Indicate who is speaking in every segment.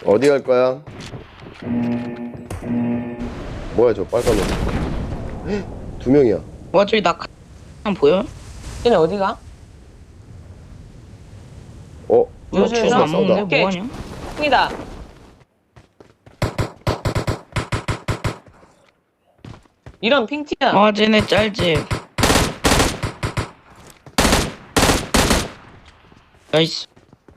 Speaker 1: 어디 갈 거야? 뭐야 저 빨간 옷. 두 명이야.
Speaker 2: 와 저기 낙하 보여?
Speaker 3: 쟤네 어디가?
Speaker 1: 어?
Speaker 3: 요즘
Speaker 2: 주소 안
Speaker 1: 싸우다.
Speaker 2: 먹는데
Speaker 3: 오케이.
Speaker 2: 뭐하냐?
Speaker 3: 형이다. 이런 핑티야.
Speaker 2: 아 쟤네 짤집. 나이스.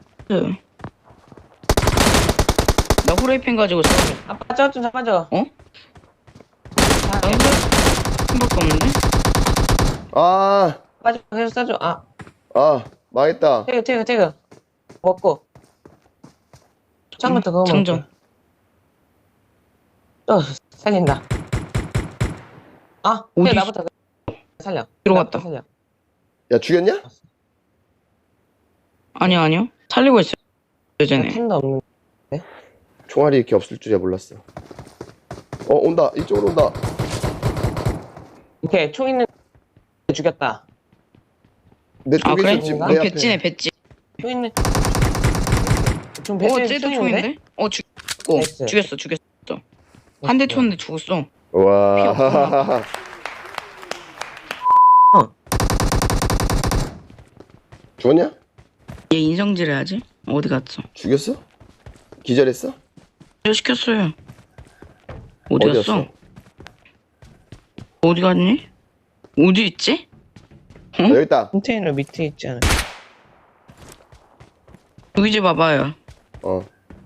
Speaker 2: 나 후라이팬 가지고 싸우겠다.
Speaker 3: 아빠 저거 좀 잡아줘.
Speaker 2: 어?
Speaker 3: 아,
Speaker 2: 나 힘밖에 없는데?
Speaker 1: 아,
Speaker 3: 아빠 좀 계속 싸줘.
Speaker 1: 망했다.
Speaker 3: 태그. 먹고. 처음부터 그거
Speaker 2: 장전.
Speaker 3: 먹을게. 또 살린다.
Speaker 2: 어디
Speaker 3: 태그 나부터 살려.
Speaker 2: 들어갔다.
Speaker 3: 나부터 살려.
Speaker 1: 야 죽였냐?
Speaker 2: 아니요. 살리고 있어요. 쟤네.
Speaker 3: 텐도 없는.
Speaker 1: 총알이 이렇게 없을 줄이야 몰랐어. 온다. 이쪽으로 온다.
Speaker 3: 이렇게 총 있는 죽였다.
Speaker 1: 내
Speaker 2: 아
Speaker 1: 쪽에
Speaker 2: 그래?
Speaker 1: 있어 지금
Speaker 3: 아,
Speaker 1: 내
Speaker 2: 그
Speaker 1: 앞에.
Speaker 2: 배지네 배지.
Speaker 3: 총 있는. 좀
Speaker 2: 쟤도 총인데? 죽였고.
Speaker 3: 나이스.
Speaker 2: 죽였어. 한 대 쳤는데 죽었어.
Speaker 1: 와. 죽었냐?
Speaker 2: 얘 인성질 해야지. 어디 갔어?
Speaker 1: 죽였어? 기절했어?
Speaker 2: 저 시켰어요. 어디 갔어?
Speaker 1: 어디였어?
Speaker 2: 어디 갔니? 어디 있지?
Speaker 1: 여기 있다.
Speaker 3: 컨테이너 밑에 있지 않아?
Speaker 2: 여기 좀 봐봐요.
Speaker 1: 어.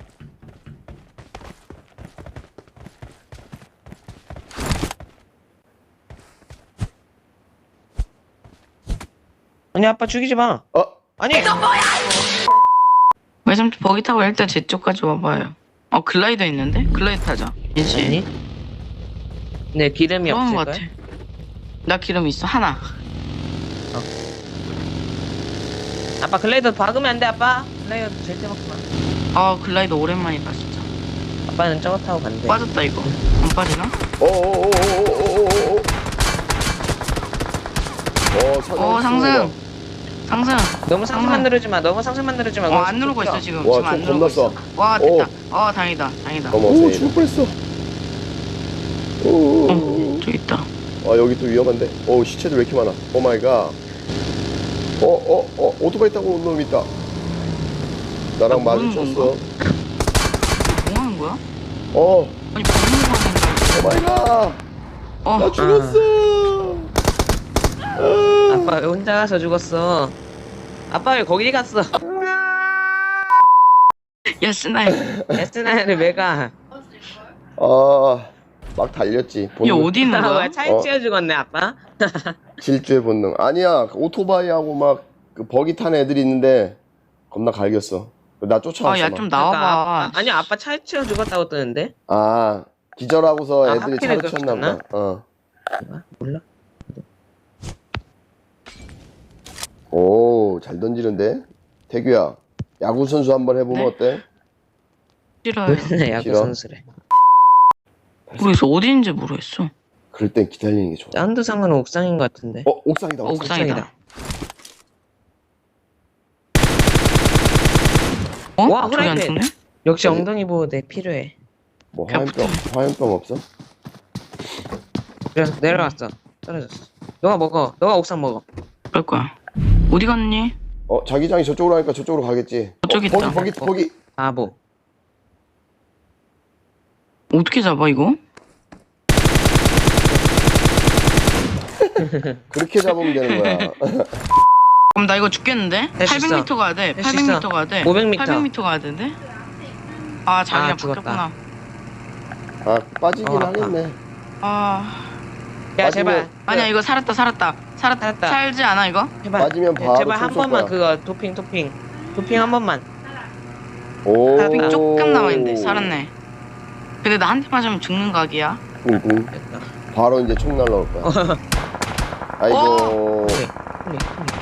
Speaker 3: 아니 아빠 죽이지 마. 아니.
Speaker 2: 외삼촌 버기 타고 일단 제 쪽까지 와봐요. 글라이더 있는데? 글라이더 타자. 이지.
Speaker 3: 아니. 네 기름이
Speaker 2: 그런
Speaker 3: 없을
Speaker 2: 거
Speaker 3: 거야.
Speaker 2: 같아. 나 기름 있어 하나.
Speaker 3: 아빠 글라이더 박으면 안 돼 아빠. 글라이더 절대 먹지 마.
Speaker 2: 글라이더 오랜만이다 진짜.
Speaker 3: 아빠는 저거 타고 간대.
Speaker 2: 빠졌다 이거. 안 빠지나?
Speaker 1: 오오오오오오오오.
Speaker 2: 상승.
Speaker 3: 너무 상승만 누르지 마. 너무 상승만 누르지 마.
Speaker 2: 안 누르고 있어 지금.
Speaker 1: 와,
Speaker 2: 지금 안
Speaker 1: 총
Speaker 2: 누르고 있어.
Speaker 1: 겁났어.
Speaker 2: 와 됐다. 다행이다.
Speaker 1: 오 죽을 뻔했어. 오.
Speaker 2: 저기 있다.
Speaker 1: 여기 또 위험한데. 시체들 왜 이렇게 많아? 오 마이 갓. 오토바이 타고 온 놈 있다. 나랑
Speaker 2: 모르는
Speaker 1: 마주쳤어.
Speaker 2: 뭐 하는 거야? 아니
Speaker 1: 오
Speaker 2: 먹는
Speaker 1: 마이 갓.
Speaker 2: 거
Speaker 1: 나 죽었어.
Speaker 3: 아빠 왜 혼자 가서 죽었어? 아빠 왜 거기 갔어?
Speaker 2: 야 스나이.
Speaker 3: 에스나를 왜 가?
Speaker 1: 막 달렸지.
Speaker 2: 얘 어디 있는 거야?
Speaker 3: 왜 차에 치여 죽었네 아빠?
Speaker 1: 질주의 본능. 아니야. 오토바이하고 막 그 버기 탄 애들이 있는데 겁나 갈겼어. 나 쫓아왔어.
Speaker 2: 야
Speaker 1: 막.
Speaker 2: 좀 나와봐.
Speaker 3: 아니 아빠 차에 치여 죽었다고 뜨는데?
Speaker 1: 기절하고서 애들이
Speaker 3: 하필이면
Speaker 1: 차를 쳤나 보다.
Speaker 3: 몰라.
Speaker 1: 오, 잘 던지는데? 태규야, 야구 선수 한번 해보면
Speaker 2: 네?
Speaker 1: 어때?
Speaker 2: 싫어요.
Speaker 3: 왜 야구
Speaker 1: 싫어?
Speaker 3: 선수래?
Speaker 2: 모르겠어. 어디 있는지 모르겠어.
Speaker 1: 그럴 땐 기다리는 게 좋아.
Speaker 3: 사운드 상은 옥상인 것 같은데.
Speaker 1: 옥상이다.
Speaker 2: 옥상이다.
Speaker 3: 와,
Speaker 2: 저기 안
Speaker 3: 후라이팬.
Speaker 2: 죽네?
Speaker 3: 역시 엉덩이 보호대 필요해.
Speaker 1: 뭐 화염병 없어?
Speaker 3: 그래 내려왔어. 떨어졌어. 너가 먹어. 너가 옥상 먹어.
Speaker 2: 그럴 거야. 어디 갔니?
Speaker 1: 자기장이 저쪽으로 하니까 저쪽으로 가겠지.
Speaker 2: 저기 있다.
Speaker 1: 거기.
Speaker 3: 바보.
Speaker 2: 어떻게 잡아 이거?
Speaker 1: 그렇게 잡으면 되는 거야.
Speaker 2: 그럼 나 이거 죽겠는데?
Speaker 3: 할수 있어.
Speaker 2: 800m 가야 돼.
Speaker 3: 할수 있어.
Speaker 2: 800m 가야 돼.
Speaker 3: 500m.
Speaker 2: 800m 가야 되는데? 자기랑
Speaker 3: 죽었다.
Speaker 2: 바뀌었구나.
Speaker 1: 빠지긴
Speaker 3: 아파.
Speaker 1: 하겠네.
Speaker 3: 야 제발.
Speaker 2: 아니야 이거 살았다.
Speaker 3: 살았다.
Speaker 2: 살지 않아 이거?
Speaker 3: 제발.
Speaker 1: 빠지면 바로
Speaker 3: 제발 한
Speaker 1: 총 쏠
Speaker 3: 번만
Speaker 1: 거야.
Speaker 3: 그거 도핑 한 번만.
Speaker 1: 오.
Speaker 2: 빙 조금 남아있는데 살았네. 근데 나 한 대 맞으면 죽는 각이야.
Speaker 1: 뿡뿡.
Speaker 3: 됐다.
Speaker 1: 바로 이제 총 날라올 거야. 아이고.
Speaker 3: 홀리.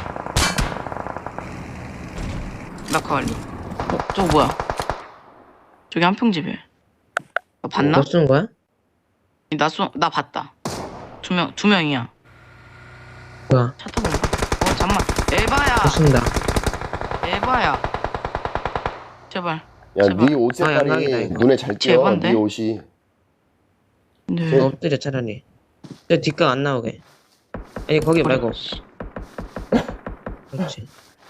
Speaker 2: 낙하 완료. 저거 뭐야? 저기 한평집에. 너 봤나?
Speaker 3: 너 쏘는 거야?
Speaker 2: 나 봤다. 두 명이야.
Speaker 3: 뭐야?
Speaker 2: 차 타고 온다. 잠만. 에바야.
Speaker 3: 너 쏜다.
Speaker 2: 에바야. 제발.
Speaker 1: 야,
Speaker 2: 제발.
Speaker 1: 네 옷
Speaker 3: 양각이다,
Speaker 1: 색깔이
Speaker 3: 이거.
Speaker 1: 눈에 잘 띄어.
Speaker 2: 제발인데?
Speaker 1: 네 옷이.
Speaker 2: 네.
Speaker 3: 엎드려 차라리. 저 뒷각 안 나오게. 아니 거기 말고. 그렇지.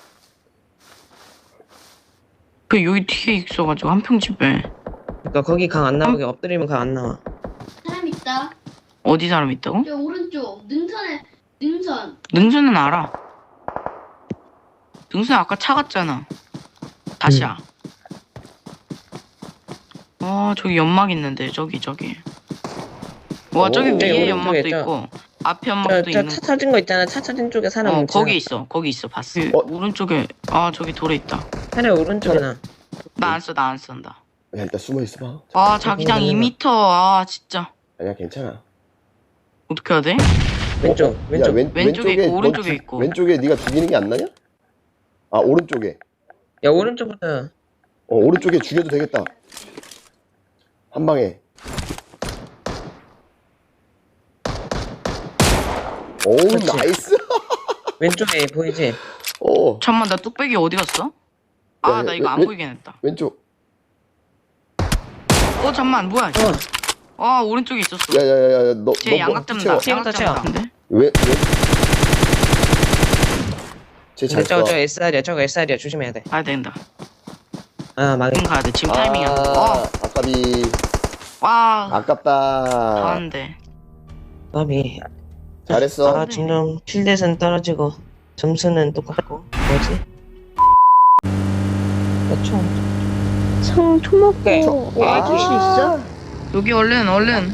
Speaker 2: 그 여기 뒤에 있어가지고 한평집에
Speaker 3: 그러니까 거기 각 안 나오게 엎드리면 각 안 나와.
Speaker 4: 사람 있다.
Speaker 2: 어디 사람 있다고?
Speaker 4: 저 오른쪽 능선에 능선.
Speaker 2: 능수는 알아. 능수 아까 차 갔잖아. 다시야. 저기 연막 있는데 저기. 와 저기
Speaker 1: 오,
Speaker 2: 위에
Speaker 3: 오른쪽에
Speaker 2: 연막도
Speaker 3: 있죠.
Speaker 2: 있고 앞에 연막도 있는.
Speaker 3: 저차 터진 거 있잖아. 차 터진 쪽에 사람 있잖아.
Speaker 2: 거기 있어 봤어. 오른쪽에 저기 돌에 있다.
Speaker 3: 차라리 오른쪽에 나.
Speaker 2: 나 안 쓴다.
Speaker 1: 야, 일단 숨어 있어봐.
Speaker 2: 자기장 2m. 진짜
Speaker 1: 아니야, 괜찮아.
Speaker 2: 어떻게 해야 돼?
Speaker 3: 왼쪽.
Speaker 1: 야,
Speaker 3: 왼쪽.
Speaker 2: 왼쪽에 있고,
Speaker 1: 너
Speaker 2: 오른쪽에
Speaker 1: 죽-
Speaker 2: 있고.
Speaker 1: 왼쪽에 네가 죽이는 게 안 나냐? 아, 오른쪽에.
Speaker 3: 야 오른쪽부터.
Speaker 1: 오른쪽에 죽여도 되겠다. 한 방에. 오,
Speaker 3: 그렇지.
Speaker 1: 나이스.
Speaker 3: 왼쪽에 보이지?
Speaker 2: 잠만 나 뚝배기 어디 갔어?
Speaker 1: 야,
Speaker 2: 나 이거 안
Speaker 1: 왜-
Speaker 2: 보이게 했다.
Speaker 1: 왼쪽.
Speaker 2: 잠만 뭐야? 오른쪽에 있었어.
Speaker 1: 야야야야, 너
Speaker 2: 쟤 양각 잡는다.
Speaker 3: 채워.
Speaker 2: 양각 잡는데?
Speaker 1: 왜? 쟤잘
Speaker 3: 저거
Speaker 1: 쏴.
Speaker 3: 저 SR이야. 저거 SR이야. 조심해야 돼.
Speaker 2: 가야 된다.
Speaker 3: 아 망해.
Speaker 2: 지금 가야 돼. 지금 타이밍이야.
Speaker 1: 아깝이.
Speaker 2: 와
Speaker 1: 아깝다.
Speaker 2: 가는데.
Speaker 3: 나비.
Speaker 1: 잘했어.
Speaker 3: 점점 킬댓은 떨어지고 점수는 똑같고 뭐지? 그렇죠.
Speaker 4: 청
Speaker 3: 오케이.
Speaker 4: 초먹고
Speaker 3: 아.
Speaker 4: 해줄 수 있어?
Speaker 2: 여기 얼른.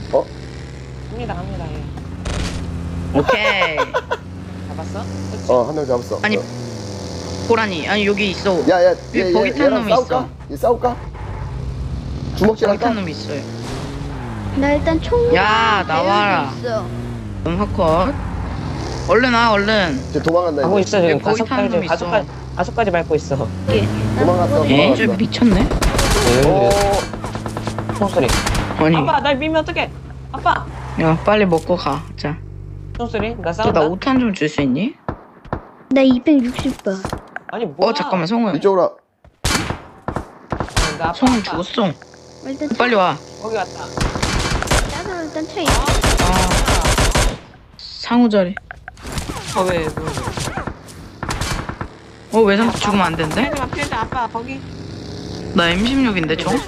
Speaker 3: 갑니다. 예.
Speaker 2: 오케이.
Speaker 3: 잡았어?
Speaker 1: 한 명 잡았어.
Speaker 2: 아니, 고라니. 아니 여기 있어.
Speaker 1: 야야,
Speaker 2: 여기 버기 탄 놈이
Speaker 1: 싸울까? 얘 싸울까? 주먹질
Speaker 2: 저기
Speaker 1: 할까?
Speaker 2: 탄 놈이 있어요.
Speaker 4: 나 일단 총.
Speaker 2: 야, 나와라.
Speaker 4: 있어.
Speaker 2: 컷. 얼른 와 얼른.
Speaker 1: 쟤 도망간다
Speaker 3: 하고
Speaker 1: 이제.
Speaker 3: 있어 지금
Speaker 2: 여기 거기 타는 놈 있어.
Speaker 3: 가속까지 밟고 있어.
Speaker 1: 도망갔어.
Speaker 2: 에?
Speaker 1: 도망갔어.
Speaker 2: 저 미쳤네.
Speaker 3: 총소리.
Speaker 2: 아니.
Speaker 3: 아빠 날 밀면 어떡해? 아빠.
Speaker 2: 야 빨리 먹고 가. 자.
Speaker 3: 총소리. 나
Speaker 2: 또
Speaker 3: 싸운다.
Speaker 2: 나 5탄 좀 줄 수 있니?
Speaker 4: 나 260번.
Speaker 3: 아니 뭐야?
Speaker 2: 잠깐만 성우야.
Speaker 1: 이쪽으로 와.
Speaker 3: 나 아빠,
Speaker 2: 성우
Speaker 3: 아빠.
Speaker 2: 죽었어.
Speaker 4: 일단
Speaker 2: 빨리 와.
Speaker 3: 거기 왔다.
Speaker 4: 나도 일단 차 있어.
Speaker 2: 상우 자리.
Speaker 3: 왜?
Speaker 2: 외상 죽으면 안 된대?
Speaker 3: 필드 아빠 거기.
Speaker 2: 나 M16인데 저?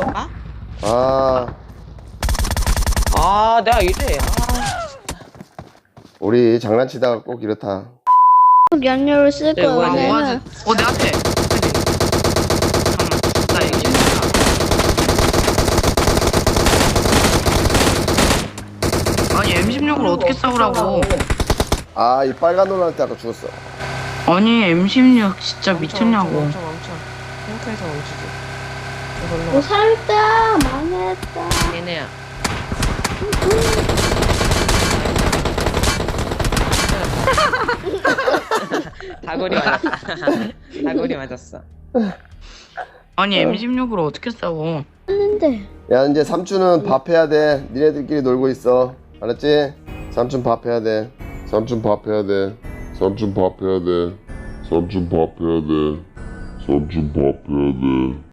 Speaker 3: 내가 이래.
Speaker 1: 우리 장난치다가 꼭 이렇다.
Speaker 4: 연료를 쓸
Speaker 3: 네,
Speaker 4: 거야.
Speaker 3: 뭐야, 네.
Speaker 4: 왜냐면
Speaker 2: 내 앞에. 잠깐만. 나 M16이야. 아니 M16을 어떻게 싸우라고?
Speaker 1: 이 빨간 놀라한테 아까 죽었어.
Speaker 2: 아니 M16 진짜 미쳤냐고.
Speaker 3: 멈춰. 탱크에서 멈추지.
Speaker 4: 뭐 사람 있다. 망했다.
Speaker 3: 얘네야. 다구리 맞았다. 다구리 맞았어.
Speaker 2: 아니 M16으로 어떻게 싸워?
Speaker 4: 했는데.
Speaker 1: 야, 이제 삼촌은 밥 해야 돼. 니네들끼리 놀고 있어. 알았지? 삼촌 밥 해야 돼.
Speaker 5: 삼촌 밥 해야 돼. 삼촌 밥 해야 돼. 삼촌 밥 해야 돼. 삼촌 밥 해야 돼.